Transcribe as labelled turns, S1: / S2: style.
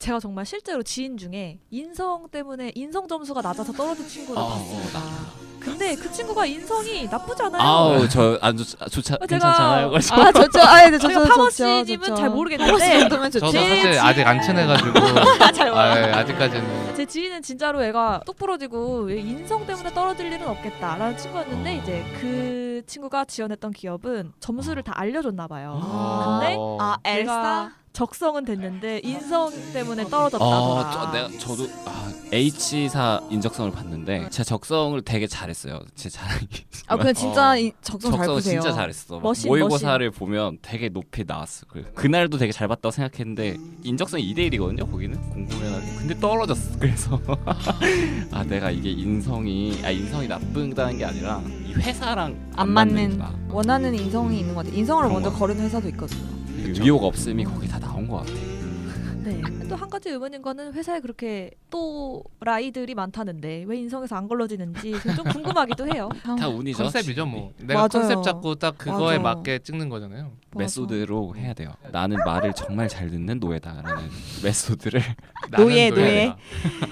S1: 제가 정말 실제로 지인 중에 인성 때문에 인성 점수가 낮아서 떨어진 친구를 봤습니다. 근데 그 친구가 인성이 나쁘지 않아요.
S2: 아우 저 안 좋지 괜찮잖아요.
S3: 좋죠. 네,
S1: 저희가 파머씨님은 잘 모르겠는데
S3: 정도면 좋죠.
S4: 저도 사실 아직 안 친해가지고
S1: 잘 몰라요.
S4: 아직까지는
S1: 제 지인은 진짜로 애가 똑 부러지고 인성 때문에 떨어질 일은 없겠다라는 친구였는데 이제 그 친구가 지원했던 기업은 점수를 다 알려줬나 봐요. 근데
S3: 엘사?
S1: 내가 적성은 됐는데 인성 때문에 떨어졌다더라.
S2: 저도 H사 인적성을 봤는데 제 적성을 되게 잘했어요. 제 자랑이.
S3: 그냥 진짜 적성 잘
S2: 적성을
S3: 푸세요.
S2: 진짜 잘했어. 막
S1: 머신,
S2: 모의고사를 보면 되게 높이 나왔어. 그날도 되게 잘 봤다고 생각했는데 인적성이 2대1이거든요. 거기는 공부면 근데 떨어졌어. 그래서 내가 이게 인성이 나쁘다는 게 아니라 이 회사랑
S3: 안 맞는
S2: 맞는구나.
S3: 원하는 인성이 있는 것 같아요. 인성을
S2: 그런
S3: 먼저
S2: 거.
S3: 거르는 회사도 있거든요.
S2: 위호가 없음이 거기 다 나온 것 같아.
S1: 네. 또 한 가지 의문인 거는 회사에 그렇게 또 라이들이 많다는데 왜 인성에서 안 걸러지는지 좀 궁금하기도 해요.
S2: 다 운이죠.
S4: 컨셉이죠 뭐. 내가
S3: 맞아요.
S4: 컨셉 잡고 딱 그거에
S3: 맞아.
S4: 맞게 찍는 거잖아요.
S2: 메소드로 해야 돼요. 나는 말을 정말 잘 듣는 노예다라는 메소드를
S3: 노예.
S4: 노예다.